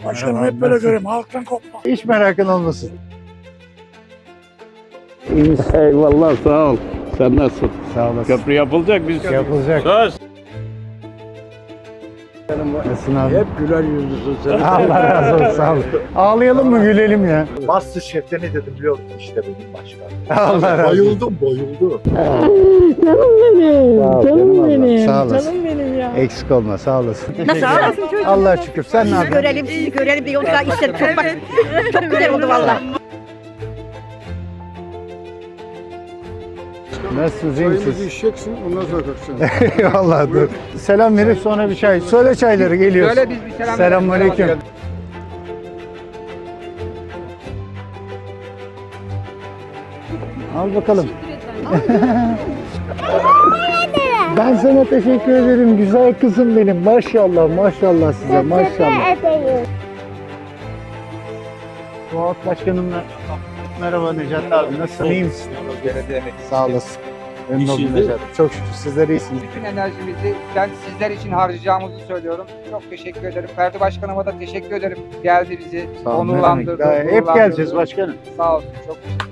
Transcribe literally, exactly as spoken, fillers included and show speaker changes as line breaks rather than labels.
Başkanım hep böyle göreyim. Halktan kopma.
Hiç merakın olmasın.
Eyvallah, sağ ol. Sen nasılsın?
Sağ olasın.
Köprü yapılacak, biz
Yapılacak.
söz.
Nasılsın abi?
Hep güler yüzlüsün sen.
Allah razı olsun. Sağ ol. Ağlayalım mı gülelim ya?
Masterchef'te ne dedim biliyor musun? İşte benim başkan.
Allah razı olsun.
Bayıldım, bayıldım.
Canım benim,
Sağ ol, canım
canım
ablam,
benim,
sağ olasın.
canım benim ya.
Eksik olma sağ olasın.
Nasıl ağlasın çocuğum?
Allah'a şükür. Sen ne
Sizi
yapıyorsun?
görelim, sizi görelim diye yoksa işler çok bak. Çok güzel oldu valla.
Nasılsınız? iyi misiniz?
içeceksin, ondan sonra kalkacaksın.
Eyvallah dur. Selam verip sonra bir çay. Söyle çayları geliyoruz.
Söyle biz bir selam.
Selamünaleyküm. Al bakalım. Ben sana teşekkür ederim güzel kızım benim. Maşallah maşallah size maşallah. Fuat Başkanımla merhaba Necat abi nasılsın iyi misin? Sağ olasın. Memnun oldum Necat. Çok şükür sizler iyisiniz.
Bütün enerjimizi ben sizler için harcayacağımızı söylüyorum. Çok teşekkür ederim. Ferdi Başkanıma da teşekkür ederim. Geldi bizi
Sağ olun, ne
onurlandırdı.
demek. Daha Hep
gururlandırdı.
geleceğiz başkanım.
Sağ olsun. Çok teşekkür ederim.